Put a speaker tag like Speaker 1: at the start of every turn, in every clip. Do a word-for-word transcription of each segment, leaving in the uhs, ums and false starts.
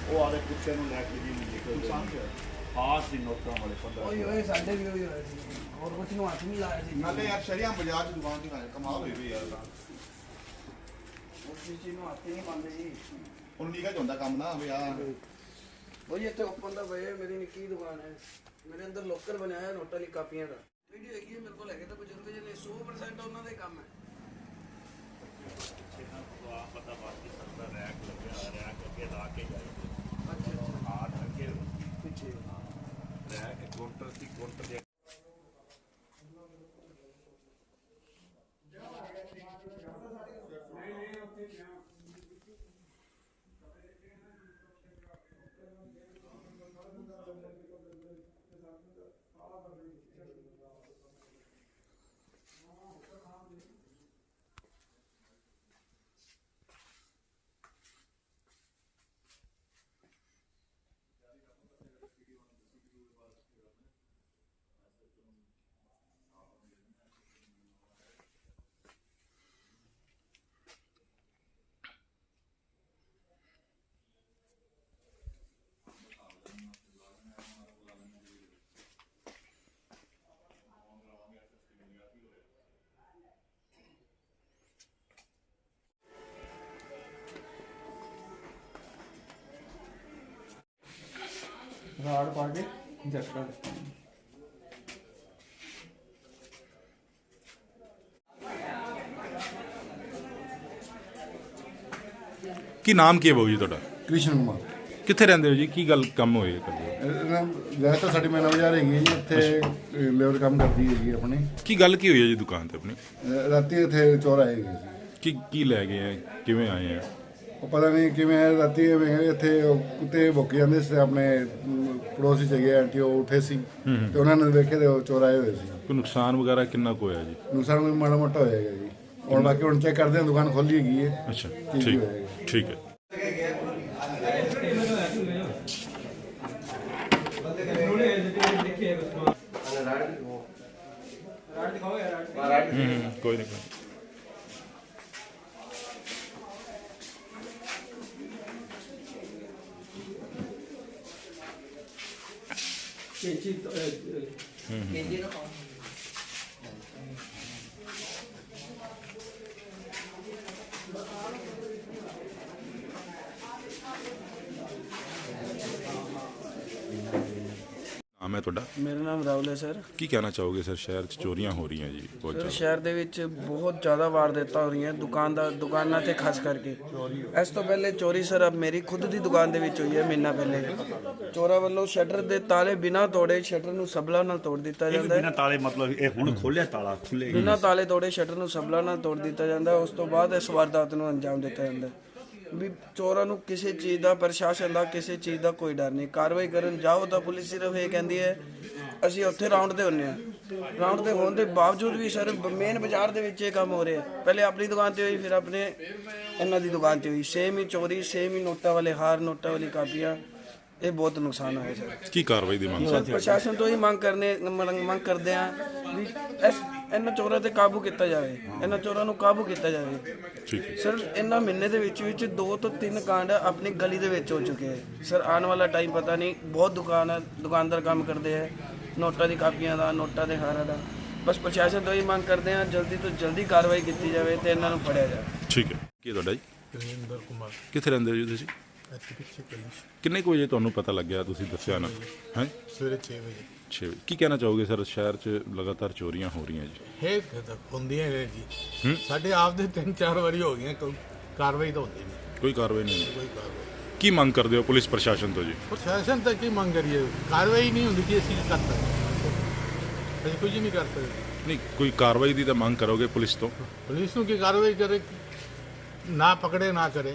Speaker 1: ਉਹ ਆਲੇ ਕੁੱਤੇ ਨੂੰ ਲੈ ਕੇ ਜੀ ਨਿਕਲਦੇ ਖਾਸ ਦੀ ਨੋਟਾਂ ਵਾਲੇ ਪੰਦਰਾਂ
Speaker 2: ਓਏ ਓਏ ਸਾਡੇ ਵੀ ਹੋਈ ਹੋਇਆ ਸੀ ਹੋਰ ਕੁਝ ਨੂੰ ਹੱਥ ਨਹੀਂ ਲਾਇਆ ਸੀ।
Speaker 3: ਨਾਲੇ ਯਾਰ ਸ਼ਰੀਆਂ ਬਾਜ਼ਾਰ ਦੀ ਦੁਕਾਨ ਤੇ ਕਮਾਲ ਹੋਈ ਵੀ ਯਾਰ
Speaker 2: ਉਸ ਚੀਜ਼ ਨੂੰ ਹੱਥ ਨਹੀਂ ਪਾਉਂਦੇ ਜੀ।
Speaker 3: ਹੁਣ ਨਿਕਲ ਜਾਂਦਾ ਕੰਮ ਨਾ ਵੀ ਆ
Speaker 2: ਉਹ ਇੱਥੇ ਓਪਨ ਦਾ ਬਈ ਮੇਰੀ ਨਿੱਕੀ ਦੁਕਾਨ ਹੈ। ਮੇਰੇ ਅੰਦਰ ਲੋਕਰ ਬਣਾਇਆ ਹੈ ਨੋਟਾਂ ਲਈ ਕਾਪੀਆਂ ਦਾ। ਵੀਡੀਓ ਹੈਗੀ ਹੈ ਮੇਰੇ ਕੋਲ ਹੈਗੇ ਤਾਂ ਬਜ਼ੁਰਗ ਜਿਹਨੇ ਸੌ ਪਰਸੈਂਟ ਉਹਨਾਂ ਦਾ ਹੀ ਕੰਮ ਹੈ।
Speaker 1: ਪਤਾ ਬਾਕੀ ਸਭ ਦਾ ਰੈਕ ਲੱਗਿਆ ਰੈਕ ਅੱਗੇ ਲਾ ਕੇ ਜਾਏ
Speaker 2: ਅੱਛਾ ਅੱਛਾ
Speaker 1: ਹਾਥ ਅੱਗੇ
Speaker 2: ਪਿੱਛੇ
Speaker 1: ਰੈਕ ਕਾਊਂਟਰ ਸੀ ਕਾਊਂਟਰ ਦੇ
Speaker 2: ਰਾੜ ਪਾ ਕੇ ਜੱਟਾ
Speaker 4: ਕੀ ਨਾਮ ਕੀ ਹੈ ਬਾਊ ਜੀ ਤੁਹਾਡਾ?
Speaker 5: ਕ੍ਰਿਸ਼ਨ ਕੁਮਾਰ।
Speaker 4: ਕਿੱਥੇ ਰਹਿੰਦੇ ਹੋ ਜੀ? ਕੀ ਗੱਲ ਕੰਮ ਹੋਈ ਹੈ ਕਰਦੇ?
Speaker 5: ਵੈਸੇ ਤਾਂ ਸਾਡੀ ਮੈਨਾ ਬਾਜ਼ਾਰ ਹੈਗੀ ਹੈ ਜੀ, ਇੱਥੇ ਲੇਬਰ ਕੰਮ ਕਰਦੀ ਹੈਗੀ ਆਪਣੀ।
Speaker 4: ਕੀ ਗੱਲ ਕੀ ਹੋਈ ਹੈ ਜੀ ਦੁਕਾਨ ਤੇ ਆਪਣੀ?
Speaker 5: ਅਹ ਰਾਤੀ ਇੱਥੇ ਚੋਰ ਆਏ ਗਏ ਸੀ।
Speaker 4: ਕੀ ਕੀ ਲੈ ਗਏ ਹੈ? ਕਿਵੇਂ ਆਏ ਆ?
Speaker 5: ਉਹ ਪਤਾ ਨਹੀਂ ਕਿਵੇਂ ਆਏ, ਰਾਤੀ ਐਵੇਂ ਇੱਥੇ ਉਹ ਕੁੱਤੇ ਭੁੱਕ ਜਾਂਦੇ ਸੀ ਆਪਣੇ ਅਮ, ਪੜੋਸੀ ਚ ਆਂਟੀ ਉਹ ਉੱਠੇ ਸੀ ਤੇ ਉਹਨਾਂ ਨੇ ਵੇਖੇ ਤੇ ਉਹ ਚੋਰ ਆਏ ਹੋਏ ਸੀ।
Speaker 4: ਕੋਈ ਨੁਕਸਾਨ ਵਗੈਰਾ ਕਿੰਨਾ ਕੁ ਹੋਇਆ ਜੀ?
Speaker 5: ਨੁਕਸਾਨ ਕੋਈ ਮਾੜਾ ਮੋਟਾ ਹੋਏਗਾ ਜੀ। ਹੁਣ ਬਾਕੀ ਹੁਣ ਚੈੱਕ ਕਰਦੇ ਹਾਂ, ਦੁਕਾਨ ਖੋਲੀ ਹੈਗੀ ਹੈ।
Speaker 4: ਅੱਛਾ
Speaker 5: ਕੀ
Speaker 4: ਠੀਕ
Speaker 5: ਹੋਏਗਾ।
Speaker 4: ਠੀਕ ਹੈ। ਹੂੰ ਕੋਈ ਨਹੀਂ ਕੋਈ
Speaker 2: ਕੇਜੀ ਕੇਜੀ ਨਾ ਪਾਓ।
Speaker 4: ਨਾਮ ਹੈ ਤੁਹਾਡਾ?
Speaker 2: ਮੇਰਾ ਨਾਮ ਰਾਹੁਲ ਹੈ ਸਰ।
Speaker 4: ਕੀ ਕਹਿਣਾ ਚਾਹੋਗੇ ਸਰ? ਸ਼ਹਿਰ 'ਚ ਚੋਰੀਆਂ ਹੋ ਰਹੀਆਂ ਜੀ ਬਹੁਤ
Speaker 2: ਸਰ
Speaker 4: ਜ਼ਿਆਦਾ।
Speaker 2: ਸ਼ਹਿਰ ਦੇ ਵਿੱਚ ਬਹੁਤ ਜ਼ਿਆਦਾ ਵਾਰਦਾਤਾਂ ਹੋ ਰਹੀਆਂ ਦੁਕਾਨਦਾਰ ਦੁਕਾਨਾਂ ਤੇ ਖਾਸ ਕਰਕੇ। ਇਸ ਤੋਂ ਪਹਿਲੇ ਚੋਰੀ ਸਰ ਅਬ ਮੇਰੀ ਖੁਦ ਦੀ ਦੁਕਾਨ ਦੇ ਵਿੱਚ ਹੋਈ ਹੈ ਮਹੀਨਾ ਪਹਿਲੇ। ਚੋਰਾਂ ਵੱਲੋਂ ਸ਼ਟਰ ਦੇ ਤਾਲੇ ਬਿਨਾਂ ਤੋੜੇ ਸ਼ਟਰ ਨੂੰ ਸਬਲਾ ਨਾਲ ਤੋੜ ਦਿੱਤਾ ਜਾਂਦਾ ਹੈ।
Speaker 1: ਬਿਨਾਂ ਤਾਲੇ ਮਤਲਬ ਇਹ ਹੁਣ ਖੋਲਿਆ ਤਾਲਾ ਖੁੱਲੇ
Speaker 2: ਬਿਨਾਂ ਤਾਲੇ ਤੋੜੇ ਸ਼ਟਰ ਨੂੰ ਸਬਲਾ ਨਾਲ ਤੋੜ ਦਿੱਤਾ ਜਾਂਦਾ ਹੈ। ਉਸ ਤੋਂ ਬਾਅਦ ਇਸ ਵਾਰਦਾਤ ਨੂੰ ਅੰਜਾਮ ਦਿੱਤਾ ਜਾਂਦਾ ਹੈ। ਵੀ ਚੋਰਾਂ ਨੂੰ ਕਿਸੇ ਚੀਜ਼ ਦਾ ਪ੍ਰਸ਼ਾਸਨ ਦਾ ਕਿਸੇ ਚੀਜ਼ ਦਾ ਕੋਈ ਡਰ ਨਹੀਂ। ਕਾਰਵਾਈ ਕਰਨ ਜਾਓ ਤਾਂ ਪੁਲਿਸ ਸਿਰਫ ਇਹ ਕਹਿੰਦੀ ਹੈ ਅਸੀਂ ਉੱਥੇ ਰਾਉਂਡ ਤੇ ਹੁੰਨੇ ਆ। ਰਾਉਂਡ ਤੇ ਹੋਣ ਦੇ ਬਾਵਜੂਦ ਵੀ ਸਰ ਮੇਨ ਬਾਜ਼ਾਰ ਦੇ ਵਿੱਚ ਇਹ ਕੰਮ ਹੋ ਰਿਹਾ। ਪਹਿਲੇ ਆਪਣੀ ਦੁਕਾਨ ਤੇ ਹੋਈ, ਫਿਰ ਆਪਣੇ ਇਹਨਾਂ ਦੀ ਦੁਕਾਨ ਤੇ ਹੋਈ। ਸੇਮ ਹੀ ਚੋਰੀ, ਸੇਮ ਹੀ ਨੋਟਾਂ ਵਾਲੇ ਹਾਰ, ਨੋਟਾਂ ਵਾਲੀ ਕਾਪੀਆਂ। ਇਹ ਬਹੁਤ ਨੁਕਸਾਨ ਹੋਇਆ ਸਰ।
Speaker 4: ਕੀ ਕਾਰਵਾਈ ਦੀ ਮੰਗ
Speaker 2: ਸਰ ਪ੍ਰਸ਼ਾਸਨ ਤੋਂ ਹੀ ਮੰਗ ਕਰਨੇ ਮੰਗ ਮੰਗ ਕਰਦੇ ਆ ਵੀ ਇਸ ਇਹਨਾਂ ਚੋਰਾਂ ਤੇ ਕਾਬੂ ਕੀਤਾ ਜਾਵੇ। ਇਹਨਾਂ ਚੋਰਾਂ ਨੂੰ ਕਾਬੂ ਕੀਤਾ ਜਾਵੇ।
Speaker 4: ਠੀਕ ਹੈ
Speaker 2: ਸਰ ਇਹਨਾਂ ਮਹੀਨੇ ਦੇ ਵਿੱਚ ਵਿੱਚ ਦੋ ਤੋਂ ਤਿੰਨ ਕਾਂਡ ਆਪਣੀ ਗਲੀ ਦੇ ਵਿੱਚ ਹੋ ਚੁੱਕੇ ਹੈ। ਸਰ ਆਉਣ ਵਾਲਾ ਟਾਈਮ ਪਤਾ ਨਹੀਂ। ਬਹੁਤ ਦੁਕਾਨ ਹੈ, ਦੁਕਾਨਦਾਰ ਕੰਮ ਕਰਦੇ ਹੈ ਨੋਟਾਂ ਦੀ ਕਾਪੀਆਂ ਦਾ, ਨੋਟਾਂ ਦੇ ਹਾਰਾਂ ਦਾ। ਬਸ ਪ੍ਰਸ਼ਾਸਨ ਤੋਂ ਹੀ ਮੰਗ ਕਰਦੇ ਆ ਜਲਦੀ ਤੋਂ ਜਲਦੀ ਕਾਰਵਾਈ ਕੀਤੀ ਜਾਵੇ ਤੇ ਇਹਨਾਂ ਨੂੰ ਫੜਿਆ ਜਾਵੇ।
Speaker 4: ਠੀਕ ਹੈ। ਕੀ ਤੁਹਾਡਾ ਜੀ?
Speaker 6: ਰਜਿੰਦਰ ਕੁਮਾਰ।
Speaker 4: ਕਿੱਥੇ ਰਹਿੰਦੇ ਹੋ ਜੀ ਤੁਸੀਂ?
Speaker 6: ਇੱਥੇ ਪਿੱਛੇ ਕਲੀ
Speaker 4: ਕਿੰਨੇ ਕੁ ਵਜੇ ਤੁਹਾਨੂੰ ਪਤਾ ਲੱਗਿਆ? ਤੁਸੀਂ ਦੱਸਿਆ ਨਾ ਹੈ
Speaker 6: ਸਵੇਰੇ ਛੇ ਵਜੇ।
Speaker 4: ਛੇ ਵਜੇ। ਕੀ ਕਹਿਣਾ ਚਾਹੋਗੇ ਸਰ? ਸ਼ਹਿਰ 'ਚ ਲਗਾਤਾਰ ਚੋਰੀਆਂ ਹੋ ਰਹੀਆਂ ਜੀ।
Speaker 6: ਹੈ ਹੁੰਦੀਆਂ ਨੇ ਜੀ। ਸਾਡੇ ਆਪ ਦੇ ਤਿੰਨ ਚਾਰ ਵਾਰੀ ਹੋ ਗਈਆਂ, ਕੋਈ ਕਾਰਵਾਈ ਤਾਂ ਹੁੰਦੀ ਨਹੀਂ।
Speaker 4: ਕੋਈ ਕਾਰਵਾਈ ਨਹੀਂ
Speaker 6: ਕੋਈ ਕਾਰਵਾਈ
Speaker 4: ਕੀ ਮੰਗ ਕਰਦੇ ਹੋ ਪੁਲਿਸ ਪ੍ਰਸ਼ਾਸਨ ਤੋਂ ਜੀ?
Speaker 6: ਪ੍ਰਸ਼ਾਸਨ ਤਾਂ ਕੀ ਮੰਗ ਕਰੀਏ? ਕਾਰਵਾਈ ਨਹੀਂ ਹੁੰਦੀ ਕਿ ਅਸੀਂ ਕੀ ਕਰ ਸਕਦੇ? ਅਸੀਂ ਕੁਝ ਨਹੀਂ ਕਰ ਸਕਦੇ।
Speaker 4: ਨਹੀਂ ਕੋਈ ਕਾਰਵਾਈ ਦੀ ਤਾਂ ਮੰਗ ਕਰੋਗੇ ਪੁਲਿਸ ਤੋਂ?
Speaker 6: ਪੁਲਿਸ ਨੂੰ ਕੀ ਕਾਰਵਾਈ ਕਰੇ, ਨਾ ਪਕੜੇ ਨਾ ਕਰੇ।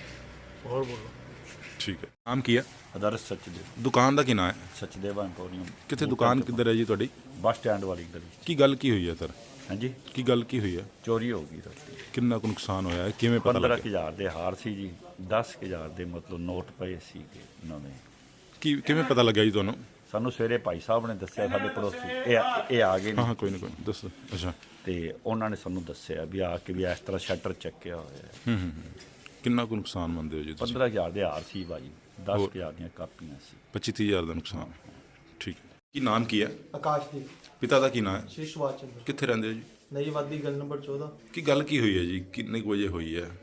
Speaker 6: ਹੋਰ ਬੋਲੋ।
Speaker 4: ਠੀਕ ਹੈ। ਨਾਮ ਕੀ ਹੈ?
Speaker 1: ਆਦਰਸ਼ ਸਚਦੇਵ।
Speaker 4: ਦੁਕਾਨ ਦਾ ਕੀ ਨਾਮ ਹੈ?
Speaker 1: ਸਚਦੇਵ ਐਂਪੋਰੀਅਮ।
Speaker 4: ਕਿੱਥੇ ਦੁਕਾਨ ਕਿੱਧਰ ਹੈ ਜੀ ਤੁਹਾਡੀ?
Speaker 1: ਬੱਸ ਸਟੈਂਡ ਵਾਲੀ ਗਲੀ।
Speaker 4: ਕੀ ਗੱਲ ਕੀ ਹੋਈ ਹੈ ਸਰ?
Speaker 1: ਹਾਂਜੀ
Speaker 4: ਕੀ ਗੱਲ ਕੀ ਹੋਈ ਹੈ?
Speaker 1: ਚੋਰੀ ਹੋ ਗਈ ਰਾਤੀ।
Speaker 4: ਕਿੰਨਾ ਕੁ ਨੁਕਸਾਨ ਹੋਇਆ ਹੈ? ਕਿਵੇਂ ਪਤਾ
Speaker 1: ਪੰਦਰਾਂ
Speaker 4: ਲੱਗਿਆ?
Speaker 1: ਹਜ਼ਾਰ ਦੇ ਹਾਰ ਸੀ ਜੀ, ਦਸ ਹਜ਼ਾਰ ਦੇ ਮਤਲਬ ਨੋਟ ਪਏ ਸੀਗੇ ਨਵੇਂ।
Speaker 4: ਕੀ ਕਿਵੇਂ ਪਤਾ ਲੱਗਿਆ ਜੀ ਤੁਹਾਨੂੰ?
Speaker 1: ਸਾਨੂੰ ਸਵੇਰੇ ਭਾਈ ਸਾਹਿਬ ਨੇ ਦੱਸਿਆ, ਸਾਡੇ ਪੜੋਸੀ ਇਹ ਇਹ ਆ ਗਏ
Speaker 4: ਹਾਂ
Speaker 1: ਨੇ
Speaker 4: ਹਾਂ ਕੋਈ ਨਾ ਕੋਈ ਨਾ, ਦੱਸੋ। ਅੱਛਾ।
Speaker 1: ਤੇ ਉਹਨਾਂ ਨੇ ਸਾਨੂੰ ਦੱਸਿਆ ਵੀ ਆ ਕੇ ਵੀ ਇਸ ਤਰ੍ਹਾਂ ਸ਼ਟਰ ਚੱਕਿਆ ਹੋਇਆ ਹੈ।
Speaker 4: ਹੂੰ ਹੂੰ ਹੂੰ। ਕਿੰਨਾ ਕੁ ਨੁਕਸਾਨ ਮੰਨਦੇ ਹੋ ਜੀ ਤੁਸੀਂ?
Speaker 1: ਪੰਦਰਾਂ ਹਜ਼ਾਰ ਦੇ ਹਾਰ ਸੀ ਭਾਜੀ। ਦਸ
Speaker 4: ਹੋਰ?
Speaker 1: ਹਜ਼ਾਰ ਦੀਆਂ ਕਾਪੀਆਂ ਸੀ।
Speaker 4: ਪੱਚੀ ਤੀਹ ਹਜ਼ਾਰ ਦਾ ਨੁਕਸਾਨ ਹੈ। ਠੀਕ ਹੈ। ਕੀ ਨਾਮ ਕੀ ਹੈ?
Speaker 7: ਆਕਾਸ਼ਦੀਪ
Speaker 4: ਪਿਤਾ ਦਾ ਕੀ ਨਾਮ ਹੈ?
Speaker 7: ਸ਼੍ਰੀ ਸੁਭਾਸ਼ ਚੰਦਰ
Speaker 4: ਕਿੱਥੇ ਰਹਿੰਦੇ ਹੋ ਜੀ?
Speaker 7: ਨਈ ਵਾਦੀ ਗੱਲ ਨੰਬਰ ਚੌਦਾਂ।
Speaker 4: ਕੀ ਗੱਲ ਕੀ ਹੋਈ ਹੈ ਜੀ? ਕਿੰਨੇ ਕੁ ਵਜੇ ਹੋਈ ਹੈ?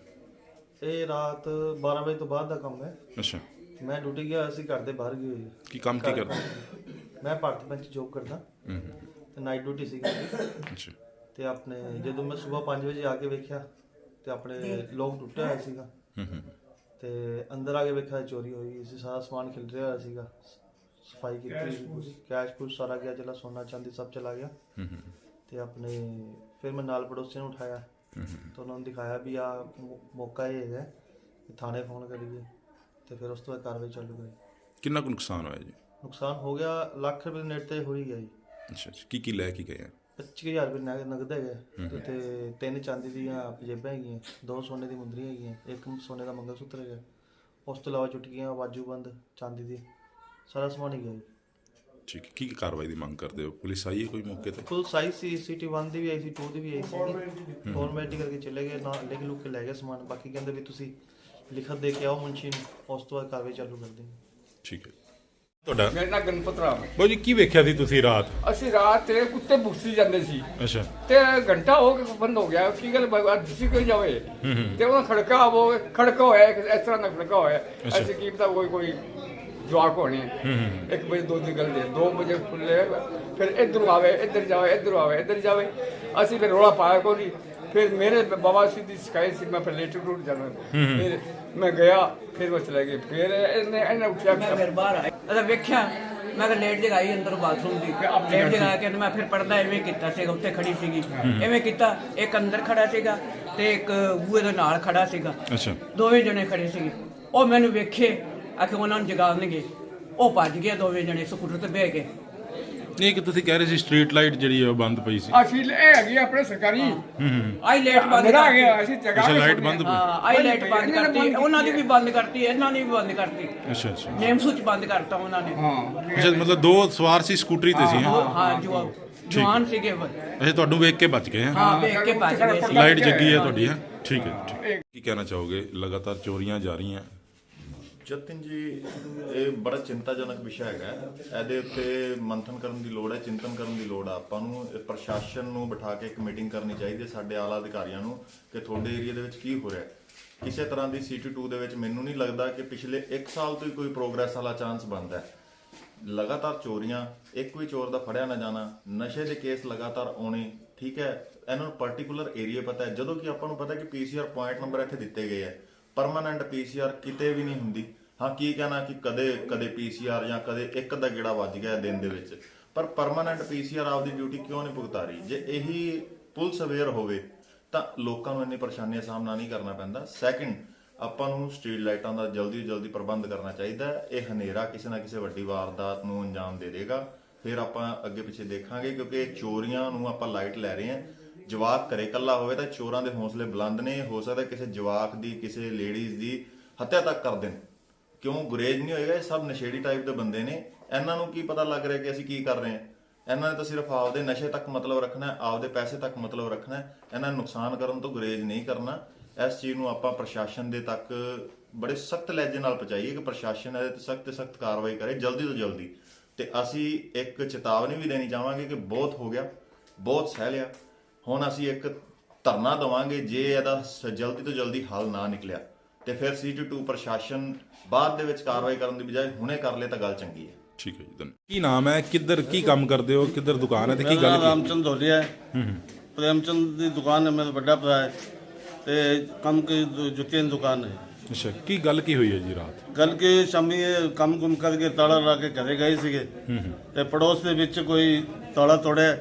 Speaker 7: ਇਹ ਰਾਤ ਬਾਰਾਂ ਵਜੇ ਤੋਂ ਬਾਅਦ ਦਾ ਕੰਮ ਹੈ।
Speaker 4: ਅੱਛਾ।
Speaker 7: ਮੈਂ ਡਿਊਟੀ ਗਿਆ ਹੋਇਆ ਸੀ, ਘਰ ਦੇ ਬਾਹਰ ਗਈ ਹੋਈ ਹੈ।
Speaker 4: ਕੀ ਕੰਮ ਕੀ ਕਰਦੇ?
Speaker 7: ਮੈਂ ਭਾਰਤੀ ਬੈਂਕ 'ਚ ਜੋਬ ਕਰਦਾ
Speaker 4: ਹੂੰ
Speaker 7: ਤੇ ਨਾਈਟ ਡਿਊਟੀ ਸੀ ਮੇਰੀ।
Speaker 4: ਅੱਛਾ।
Speaker 7: ਤੇ ਆਪਣੇ ਜਦੋਂ ਮੈਂ ਸਵੇਰ ਪੰਜ ਵਜੇ ਆ ਕੇ ਵੇਖਿਆ ਤੇ ਆਪਣੇ ਲੋਕ ਟੁੱਟਿਆ ਹੋਇਆ ਸੀਗਾ
Speaker 4: ਹੂੰ ਹੂੰ
Speaker 7: ਤੇ ਅੰਦਰ ਆ ਕੇ ਵੇਖਿਆ ਚੋਰੀ ਹੋਈ ਸੀ। ਸਾਰਾ ਸਮਾਨ ਖਿਲ ਰਿਹਾ ਹੋਇਆ ਸੀਗਾ, ਸਫਾਈ ਕੀਤੀ ਸੀ ਪੂਰੀ, ਕੈਸ਼ ਕੁਛ ਸਾਰਾ ਗਿਆ, ਚਲਾ ਸੋਨਾ ਚਾਂਦੀ ਸਭ ਚਲਾ ਗਿਆ।
Speaker 4: ਹੂੰ ਹੂੰ
Speaker 7: ਤੇ ਆਪਣੇ ਫਿਰ ਮੈਂ ਨਾਲ ਪੜੋਸੀਆਂ ਨੂੰ ਉਠਾਇਆ
Speaker 4: ਹੂੰ
Speaker 7: ਤਾਂ ਉਹਨਾਂ ਨੂੰ ਦਿਖਾਇਆ ਵੀ ਆ ਮੌਕਾ ਇਹ ਹੈਗਾ ਕਿ ਥਾਣੇ ਫੋਨ ਕਰੀਏ ਤੇ ਫਿਰ ਉਸ ਤੋਂ ਬਾਅਦ ਕਾਰਵਾਈ ਚਾਲੂ ਕਰੀ।
Speaker 4: ਕਿੰਨਾ ਕੁ ਨੁਕਸਾਨ ਹੋਇਆ ਜੀ?
Speaker 7: ਨੁਕਸਾਨ ਹੋ ਗਿਆ ਲੱਖ ਰੁਪਏ ਦੇ ਨੇੜੇ ਤੇ ਹੋ ਹੀ ਗਿਆ ਜੀ।
Speaker 4: ਅੱਛਾ ਅੱਛਾ। ਕੀ ਕੀ ਲੈ ਕੇ ਗਏ ਆ?
Speaker 7: ਪੱਚੀ ਹਜ਼ਾਰ ਰੁਪਏ ਨਗ- ਨਗਦ ਹੈਗਾ ਤੇ ਤਿੰਨ ਚਾਂਦੀ ਦੀਆਂ ਪਜੇਬਾਂ ਹੈਗੀਆਂ, ਦੋ ਸੋਨੇ ਦੀ ਮੁੰਦਰੀਆਂ ਹੈਗੀਆਂ, ਇੱਕ ਸੋਨੇ ਦਾ ਮੰਗਲ ਸੂਤਰ ਹੈਗਾ। ਉਸ ਤੋਂ ਇਲਾਵਾ ਚੁਟਕੀਆਂ, ਬਾਜੂਬੰਦ ਚਾਂਦੀ ਦੀ, ਸਾਰਾ ਸਮਾਨ ਹੀ ਗਿਆ ਜੀ।
Speaker 4: ਠੀਕ ਹੈ। ਕੀ ਕੀ ਕਾਰਵਾਈ ਦੀ ਮੰਗ ਕਰਦੇ ਹੋ? ਪੁਲਿਸ ਆਈ ਹੈ ਕੋਈ ਮੌਕੇ ਤੇ?
Speaker 7: ਫੁੱਲ ਸਾਈਜ਼ ਸੀ, ਸਿਟੀ ਵਨ ਦੀ ਵੀ ਆਈ ਸੀ, ਟੂ ਦੀ ਵੀ ਆਈ ਸੀ। ਫਾਰਮੈਲਿਟੀ ਕਰਕੇ ਚਲੇ ਗਏ, ਨਾ ਲਿਖ ਲੁੱਕ ਕੇ ਲੈ ਗਏ ਸਮਾਨ। ਬਾਕੀ ਕਹਿੰਦੇ ਵੀ ਤੁਸੀਂ ਲਿਖਤ ਦੇ ਕੇ ਆਓ ਮੁਨਸ਼ੀ ਨੂੰ, ਉਸ ਤੋਂ ਬਾਅਦ ਕਾਰਵਾਈ ਚਾਲੂ ਕਰਦੇ ਹਾਂ।
Speaker 4: ਠੀਕ ਹੈ। ਤੁਹਾਡਾ?
Speaker 8: ਮੇਰਾ ਨਾਂ ਗਣਪਤ ਰਾਮ ਹੈ।
Speaker 4: ਬਾਊ ਜੀ ਕੀ ਵੇਖਿਆ ਸੀ ਤੁਸੀਂ ਰਾਤ?
Speaker 8: ਅਸੀਂ ਰਾਤ ਤੇ ਕੁੱਤੇ ਭੁੱਖੀ ਜਾਂਦੇ ਸੀ
Speaker 4: ਅੱਛਾ।
Speaker 8: ਤੇ ਘੰਟਾ ਹੋ ਕੇ ਬੰਦ ਹੋ ਗਿਆ। ਕੀ ਗੱਲ ਦਿਸੀ ਕੋਈ ਜਾਵੇ ਤੇ ਉਹਨਾਂ ਖੜਕਾ ਉਹ ਖੜਕਾ ਹੋਇਆ, ਇੱਕ ਇਸ ਤਰ੍ਹਾਂ ਦਾ ਖੜਕਾ ਹੋਇਆ। ਅਸੀਂ ਕੀ ਪਤਾ ਕੋਈ ਕੋਈ ਜਵਾਕ ਹੋਣੇ। ਇੱਕ ਵਜੇ ਦੋ ਦੀ ਗੱਲ ਦੇ ਦੋ ਵਜੇ ਖੁੱਲੇ, ਫਿਰ ਇੱਧਰ ਆਵੇ ਇੱਧਰ ਜਾਵੇ ਇੱਧਰ ਆਵੇ ਇੱਧਰ ਜਾਵੇ। ਅਸੀਂ ਫਿਰ ਰੌਲਾ ਪਾਇਆ ਕੋਈ। ਫਿਰ ਮੇਰੇ ਬਾਬਾ ਸੀ ਦੀ ਸ਼ਿਕਾਇਤ ਸੀ, ਮੈਂ ਫਿਰ ਲੇਟ ਰੂਟ ਜਾਣਾ। ਫਿਰ ਮੈਂ ਗਿਆ, ਫਿਰ ਉਹ ਚਲੇ ਗਏ। ਫਿਰ ਇਹਨੇ ਇਹਨੇ ਉੱਠਿਆ,
Speaker 9: ਮੈਂ ਫਿਰ ਬਾਹਰ ਆਇਆ ਅਦਾ ਵੇਖਿਆ, ਮੈਂ ਕਿ ਲੇਟ ਜਗਾਈ ਅੰਦਰ ਬਾਥਰੂਮ ਦੀ, ਲੇਟ ਜਗਾ ਕੇ ਮੈਂ ਫਿਰ ਪਰਦਾ ਐਵੇਂ ਕੀਤਾ ਸੀਗਾ, ਉੱਥੇ ਖੜੀ ਸੀਗੀ ਐਵੇਂ ਕੀਤਾ। ਇੱਕ ਅੰਦਰ ਖੜਾ ਸੀਗਾ ਤੇ ਇੱਕ ਬੂਹੇ ਦੇ ਨਾਲ ਖੜਾ ਸੀਗਾ।
Speaker 4: ਅੱਛਾ।
Speaker 9: ਦੋਵੇਂ ਜਣੇ ਖੜੇ ਸੀਗੇ। ਉਹ ਮੈਨੂੰ ਵੇਖੇ ਆ ਕਿ ਉਹਨਾਂ ਨੂੰ ਜਗਾਉਣਗੇ, ਉਹ ਭੱਜ ਗਏ ਦੋਵੇਂ ਜਣੇ ਸਕੂਟਰ ਤੇ ਬਹਿ ਕੇ।
Speaker 4: ਨਹੀਂ ਕਿ ਤੁਸੀਂ ਕਹਿ ਰਹੇ ਸੀ ਸਟਰੀਟ ਲਾਈਟ ਜਿਹੜੀ ਹੈ ਉਹ ਬੰਦ ਪਈ ਸੀ।
Speaker 8: ਅਸੀਂ ਇਹ ਹੈਗੀ ਆਪਣੇ ਸਰਕਾਰੀ
Speaker 9: ਆਈ ਲਾਈਟ ਬੰਦ
Speaker 8: ਮੇਰਾ
Speaker 9: ਕਰਤੀ।
Speaker 8: ਗਿਆ ਅਸੀਂ ਜਗਾ
Speaker 4: ਅੱਛਾ ਲਾਈਟ ਬੰਦ ਪਈ।
Speaker 9: ਹਾਂ ਆਈ ਲਾਈਟ ਬੰਦ ਕਰਤੀ, ਉਹਨਾਂ ਦੀ ਵੀ ਬੰਦ ਕਰਤੀ, ਇਹਨਾਂ ਦੀ ਵੀ ਬੰਦ ਕਰਤੀ।
Speaker 4: ਅੱਛਾ ਅੱਛਾ।
Speaker 9: ਨੇਮ ਸੂਚ ਬੰਦ ਕਰਤਾ ਉਹਨਾਂ ਨੇ।
Speaker 8: ਹਾਂ
Speaker 4: ਅੱਛਾ ਮਤਲਬ ਦੋ ਸਵਾਰ ਸੀ ਸਕੂਟਰੀ ਤੇ ਸੀ ਹੈਂ?
Speaker 9: ਹਾਂ ਹਾਂ ਜੋ ਜਵਾਨ ਸੀਗੇ ਉਹ।
Speaker 4: ਅੱਛਾ ਤੁਹਾਨੂੰ ਵੇਖ ਕੇ ਬਚ ਗਏ ਹੈ?
Speaker 9: ਹਾਂ ਵੇਖ ਕੇ ਭੱਜ ਗਏ ਸੀ।
Speaker 4: ਲਾਈਟ ਜੱਗੀ ਹੈ ਤੁਹਾਡੀ ਹੈ? ਠੀਕ ਹੈ ਠੀਕ ਹੈ। ਕੀ ਕਹਿਣਾ ਚਾਹੋਗੇ? ਲਗਾਤਾਰ ਚੋਰੀਆਂ ਜਾ ਰਹੀਆਂ।
Speaker 3: ਜਤਿਨ ਜੀ, ਇਹ ਬੜਾ ਚਿੰਤਾਜਨਕ ਵਿਸ਼ਾ ਹੈਗਾ। ਇਹਦੇ ਉੱਤੇ ਮੰਥਨ ਕਰਨ ਦੀ ਲੋੜ ਹੈ, ਚਿੰਤਨ ਕਰਨ ਦੀ ਲੋੜ ਆ। ਆਪਾਂ ਨੂੰ ਇਹ ਪ੍ਰਸ਼ਾਸਨ ਨੂੰ ਬਿਠਾ ਕੇ ਇੱਕ ਮੀਟਿੰਗ ਕਰਨੀ ਚਾਹੀਦੀ ਹੈ, ਸਾਡੇ ਆਲਾ ਅਧਿਕਾਰੀਆਂ ਨੂੰ, ਕਿ ਤੁਹਾਡੇ ਏਰੀਆ ਦੇ ਵਿੱਚ ਕੀ ਹੋ ਰਿਹਾ। ਕਿਸੇ ਤਰ੍ਹਾਂ ਦੀ ਸੀ ਟੀ ਟੂ ਦੇ ਵਿੱਚ ਮੈਨੂੰ ਨਹੀਂ ਲੱਗਦਾ ਕਿ ਪਿਛਲੇ ਇੱਕ ਸਾਲ ਤੋਂ ਹੀ ਕੋਈ ਪ੍ਰੋਗਰੈਸ ਵਾਲਾ ਚਾਂਸ ਬਣਦਾ ਹੈ। ਲਗਾਤਾਰ ਚੋਰੀਆਂ, ਇੱਕ ਵੀ ਚੋਰ ਦਾ ਫੜਿਆ ਨਾ ਜਾਣਾ, ਨਸ਼ੇ ਦੇ ਕੇਸ ਲਗਾਤਾਰ ਆਉਣੇ। ਠੀਕ ਹੈ, ਇਹਨਾਂ ਨੂੰ ਪਾਰਟਿਕੂਲਰ ਏਰੀਆ ਪਤਾ ਹੈ, ਜਦੋਂ ਕਿ ਆਪਾਂ ਨੂੰ ਪਤਾ ਕਿ P C R point number ਇੱਥੇ ਦਿੱਤੇ ਗਏ ਆ। ਪਰਮਾਨੈਂਟ ਪੀ ਸੀ ਆਰ ਕਿਤੇ ਵੀ ਨਹੀਂ ਹੁੰਦੀ। ਹਾਂ ਕੀ ਕਹਿਣਾ ਕਿ ਕਦੇ ਕਦੇ ਪੀ ਸੀ ਆਰ ਜਾਂ ਕਦੇ ਇੱਕ ਦਾ ਗੇੜਾ ਵੱਜ ਗਿਆ ਦਿਨ ਦੇ ਵਿੱਚ, ਪਰ ਪਰਮਾਨੈਂਟ ਪੀ ਸੀ ਆਰ ਆਪਦੀ ਡਿਊਟੀ ਕਿਉਂ ਨਹੀਂ ਭੁਗਤਾ ਰਹੀ? ਜੇ ਇਹੀ ਪੁਲਿਸ ਅਵੇਅਰ ਹੋਵੇ ਤਾਂ ਲੋਕਾਂ ਨੂੰ ਇੰਨੀ ਪਰੇਸ਼ਾਨੀਆਂ ਦਾ ਸਾਹਮਣਾ ਨਹੀਂ ਕਰਨਾ ਪੈਂਦਾ। ਸੈਕਿੰਡ, ਆਪਾਂ ਨੂੰ ਸਟਰੀਟ ਲਾਈਟਾਂ ਦਾ ਜਲਦੀ ਜਲਦੀ ਪ੍ਰਬੰਧ ਕਰਨਾ ਚਾਹੀਦਾ ਹੈ। ਇਹ ਹਨੇਰਾ ਕਿਸੇ ਨਾ ਕਿਸੇ ਵੱਡੀ ਵਾਰਦਾਤ ਨੂੰ ਅੰਜਾਮ ਦੇ ਦੇਗਾ। ਫਿਰ ਆਪਾਂ ਅੱਗੇ ਪਿੱਛੇ ਦੇਖਾਂਗੇ, ਕਿਉਂਕਿ ਚੋਰੀਆਂ ਨੂੰ ਆਪਾਂ ਲਾਈਟ ਲੈ ਰਹੇ ਹਾਂ। ਜਵਾਕ ਘਰੇ ਇਕੱਲਾ ਹੋਵੇ ਤਾਂ ਚੋਰਾਂ ਦੇ ਹੌਸਲੇ ਬੁਲੰਦ ਨੇ। ਹੋ ਸਕਦਾ ਕਿਸੇ ਜਵਾਕ ਦੀ, ਕਿਸੇ ਲੇਡੀਜ਼ ਦੀ ਹੱਤਿਆ ਤੱਕ ਕਰ ਦੇਣ। ਕਿਉਂ ਗੁਰੇਜ਼ ਨਹੀਂ ਹੋਏਗਾ? ਇਹ ਸਭ ਨਸ਼ੇੜੀ ਟਾਈਪ ਦੇ ਬੰਦੇ ਨੇ। ਇਹਨਾਂ ਨੂੰ ਕੀ ਪਤਾ ਲੱਗ ਰਿਹਾ ਕਿ ਅਸੀਂ ਕੀ ਕਰ ਰਹੇ ਹਾਂ? ਇਹਨਾਂ ਨੇ ਤਾਂ ਸਿਰਫ ਆਪਦੇ ਨਸ਼ੇ ਤੱਕ ਮਤਲਬ ਰੱਖਣਾ, ਆਪਦੇ ਪੈਸੇ ਤੱਕ ਮਤਲਬ ਰੱਖਣਾ। ਇਹਨਾਂ ਨੂੰ ਨੁਕਸਾਨ ਕਰਨ ਤੋਂ ਗੁਰੇਜ਼ ਨਹੀਂ ਕਰਨਾ। ਇਸ ਚੀਜ਼ ਨੂੰ ਆਪਾਂ ਪ੍ਰਸ਼ਾਸਨ ਦੇ ਤੱਕ ਬੜੇ ਸਖਤ ਲਹਿਜੇ ਨਾਲ ਪਹੁੰਚਾਈਏ ਕਿ ਪ੍ਰਸ਼ਾਸਨ ਇਹਦੇ ਤੇ ਸਖਤ ਸਖਤ ਕਾਰਵਾਈ ਕਰੇ ਜਲਦੀ ਤੋਂ ਜਲਦੀ। ਤੇ ਅਸੀਂ ਇੱਕ ਚੇਤਾਵਨੀ ਵੀ ਦੇਣੀ ਚਾਹਾਂਗੇ ਕਿ ਬਹੁਤ ਹੋ ਗਿਆ, ਬਹੁਤ ਸਹਿ ਲਿਆ। ਹੁਣ ਅਸੀਂ ਇੱਕ ਧਰਨਾ ਦੇਵਾਂਗੇ, ਜੇ ਇਹਦਾ ਜਲਦੀ ਤੋਂ ਜਲਦੀ ਹੱਲ ਨਾ ਨਿਕਲਿਆ ਤੇ ਫਿਰ ਸੀ ਟੀ ਟੂ ਪ੍ਰਸ਼ਾਸਨ ਬਾਅਦ ਦੇ ਵਿੱਚ ਕਾਰਵਾਈ ਕਰਨ ਦੀ ਬਜਾਏ ਹੁਣੇ ਕਰ ਲੇ ਤਾਂ ਗੱਲ ਚੰਗੀ ਹੈ।
Speaker 4: ਠੀਕ ਹੈ ਜੀ। ਧੰਨਵਾਦ। ਕੀ ਨਾਮ ਹੈ? ਕਿੱਧਰ ਕੀ ਕੰਮ ਕਰਦੇ ਹੋ? ਕਿੱਧਰ ਦੁਕਾਨ ਹੈ ਤੇ ਕੀ ਗੱਲ ਕੀ?
Speaker 10: ਰਾਮਚੰਦ ਧੋਲੀਆ ਹੈ। ਪ੍ਰੇਮਚੰਦ ਦੀ ਦੁਕਾਨ ਹੈ, ਮੇਰਾ ਵੱਡਾ ਭਰਾ ਹੈ ਤੇ ਕੰਮ ਕੀ ਜੁੱਤੀਆਂ ਦੀ ਦੁਕਾਨ ਹੈ।
Speaker 4: ਅੱਛਾ। ਕੀ ਗੱਲ ਕੀ ਹੋਈ ਹੈ ਜੀ ਰਾਤ?
Speaker 10: ਗੱਲ ਕੀ ਸ਼ਾਮੀ ਇਹ ਕੰਮ ਕੁਮ ਕਰਕੇ ਤਾਲਾ ਲਾ ਕੇ ਘਰੇ ਗਏ ਸੀਗੇ ਤੇ ਪੜੋਸ ਦੇ ਵਿੱਚ ਕੋਈ ਤਾਲਾ ਤੋੜਿਆ।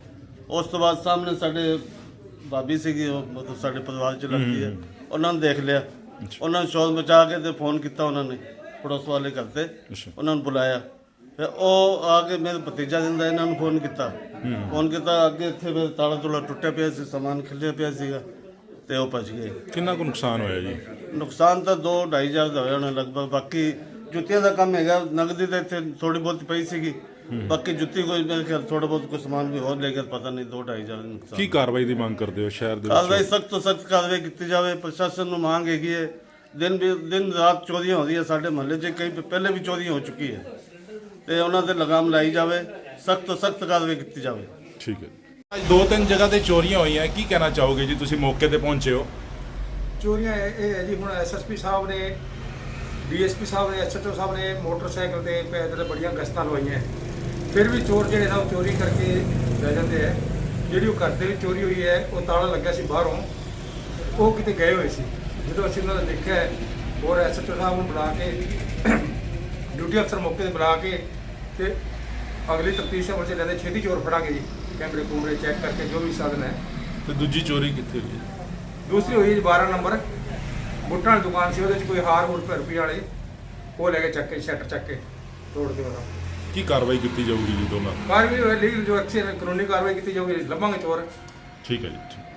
Speaker 10: ਉਸ ਤੋਂ ਬਾਅਦ ਸਾਹਮਣੇ ਸਾਡੇ ਭਾਬੀ ਸੀਗੀ, ਉਹ ਮਤਲਬ ਸਾਡੇ ਪਰਿਵਾਰ ਚ ਲੱਗਦੀ ਹੈ, ਉਹਨਾਂ ਨੇ ਦੇਖ ਲਿਆ। ਉਹਨਾਂ ਨੇ ਸ਼ੋਰ ਮਚਾ ਕੇ ਤੇ ਫੋਨ ਕੀਤਾ, ਉਹਨਾਂ ਨੇ ਪੜੋਸ ਵਾਲੇ ਘਰ ਤੇ ਉਹਨਾਂ ਨੂੰ ਬੁਲਾਇਆ। ਫਿਰ ਉਹ ਆ ਕੇ ਮੇਰੇ ਭਤੀਜਾ ਦਿੰਦਾ ਇਹਨਾਂ ਨੂੰ ਫੋਨ ਕੀਤਾ। ਫੋਨ ਕੀਤਾ ਅੱਗੇ ਇੱਥੇ ਫਿਰ ਤਾਲਾ ਤੁਲਾ ਟੁੱਟਿਆ ਪਿਆ ਸੀ, ਸਮਾਨ ਖਿਲਿਆ ਪਿਆ ਸੀਗਾ ਤੇ ਉਹ ਭੱਜ ਗਏ।
Speaker 4: ਕਿੰਨਾ ਕੁ ਨੁਕਸਾਨ ਹੋਇਆ ਜੀ?
Speaker 10: ਨੁਕਸਾਨ ਤਾਂ ਦੋ ਢਾਈ ਹਜ਼ਾਰ ਦਾ ਹੋਇਆ ਹੋਣਾ ਲਗਭਗ। ਬਾਕੀ ਜੁੱਤੀਆਂ ਦਾ ਕੰਮ ਹੈਗਾ, ਨਗਦੀ ਤਾਂ ਇੱਥੇ ਥੋੜੀ ਬਹੁਤ ਪਈ ਸੀਗੀ। ਬਾਕੀ ਜੁੱਤੀ ਕੋਈ ਮੇਰੇ ਖਿਆਲ ਥੋੜਾ ਬਹੁਤ ਕੋਈ ਸਮਾਨ ਵੀ ਹੋਰ ਲੈ ਕੇ ਪਤਾ ਨਹੀਂ, ਦੋ ਢਾਈ ਹਜ਼ਾਰ ਦਾ ਨੁਕਸਾਨ।
Speaker 4: ਕੀ ਕਾਰਵਾਈ ਦੀ ਮੰਗ ਕਰਦੇ ਹੋ ਸ਼ਹਿਰ ਦੇ ਵਿੱਚ?
Speaker 10: ਕਾਰਵਾਈ ਸਖਤ ਤੋਂ ਸਖਤ ਕਾਰਵਾਈ ਕੀਤੀ ਜਾਵੇ। ਪ੍ਰਸ਼ਾਸਨ ਨੂੰ ਮੰਗ ਹੈਗੀ ਹੈ ਦਿਨ ਵੀ ਦਿਨ ਰਾਤ ਚੋਰੀਆਂ ਹੋ ਰਹੀਆਂ ਸਾਡੇ ਮਹੱਲੇ 'ਚ, ਕਈ ਪਹਿਲੇ ਵੀ ਚੋਰੀ ਹੋ ਚੁੱਕੀ ਹੈ ਤੇ ਉਹਨਾਂ ਤੇ ਲਗਾਮ ਲਾਈ ਜਾਵੇ, ਸਖਤ ਤੋਂ ਸਖਤ ਕਾਰਵਾਈ ਕੀਤੀ ਜਾਵੇ।
Speaker 4: ਠੀਕ ਹੈ। ਅੱਜ ਦੋ ਤਿੰਨ ਜਗ੍ਹਾ ਤੇ ਚੋਰੀਆਂ ਹੋਈਆਂ, ਕੀ ਕਹਿਣਾ ਚਾਹੋਗੇ ਜੀ? ਤੁਸੀਂ ਮੌਕੇ ਤੇ ਪਹੁੰਚੇ ਹੋ।
Speaker 11: ਚੋਰੀਆਂ ਇਹ ਇਹ ਹੈ ਜੀ, ਹੁਣ ਐਸਐਸਪੀ ਸਾਹਿਬ ਨੇ, ਡੀਐਸਪੀ ਸਾਹਿਬ ਨੇ, ਐਸਐਚਓ ਸਾਹਿਬ ਨੇ ਮੋਟਰਸਾਈਕਲ ਤੇ ਪੈਦਲ ਬੜੀਆਂ ਗਸ਼ਤਾਂ ਲਵਾਈਆਂ, ਫਿਰ ਵੀ ਚੋਰ ਜਿਹੜੇ ਨਾ ਉਹ ਚੋਰੀ ਕਰਕੇ ਲੈ ਜਾਂਦੇ ਹੈ। ਜਿਹੜੀ ਉਹ ਘਰ ਦੇ ਵਿੱਚ ਚੋਰੀ ਹੋਈ ਹੈ, ਉਹ ਤਾਲਾ ਲੱਗਿਆ ਸੀ ਬਾਹਰੋਂ, ਉਹ ਕਿਤੇ ਗਏ ਹੋਏ ਸੀ। ਜਦੋਂ ਅਸੀਂ ਉਹਨਾਂ ਦਾ ਦੇਖਿਆ ਔਰ ਐਸਐਚਓ ਸਾਹਿਬ ਨੂੰ ਬੁਲਾ ਕੇ, ਡਿਊਟੀ ਅਫਸਰ ਮੌਕੇ ਤੇ ਬੁਲਾ ਕੇ ਤੇ ਅਗਲੀ ਤਫਤੀਸ਼ ਅਮਲ 'ਚ ਲੈਂਦੇ, ਛੇਤੀ ਚੋਰ ਫੜਾਂਗੇ ਜੀ, ਕੈਮਰੇ ਕੂਮਰੇ ਚੈੱਕ ਕਰਕੇ ਜੋ ਵੀ ਸਾਧਨ ਹੈ।
Speaker 4: ਤੇ ਦੂਜੀ ਚੋਰੀ ਕਿੱਥੇ ਹੋਈ ਹੈ?
Speaker 11: ਦੂਸਰੀ ਹੋਈ ਜੀ ਬਾਰਾਂ ਨੰਬਰ ਬੁੱਟਾਂ ਵਾਲੀ ਦੁਕਾਨ ਸੀ, ਉਹਦੇ 'ਚ ਕੋਈ ਹਾਰ ਹੂਰ ਰੁਪਏ ਵਾਲੇ ਉਹ ਲੈ ਕੇ ਚੱਕ ਕੇ ਸ਼ਟਰ ਚੱਕ ਕੇ ਤੋੜ ਕੇ ਉਹਦਾ।
Speaker 4: ਕੀ ਕਾਰਵਾਈ ਕੀਤੀ ਜਾਊਗੀ ਜੀ ਦੋਨਾਂ?
Speaker 11: ਕਾਰਵਾਈ ਲੀਗਲ ਜੋ ਐਕਸ਼ਨ ਕਾਨੂੰਨੀ ਕਾਰਵਾਈ ਕੀਤੀ ਜਾਊਗੀ, ਲੱਭਾਂਗੇ ਚੋਰ।
Speaker 4: ਠੀਕ ਹੈ ਜੀ, ਠੀਕ।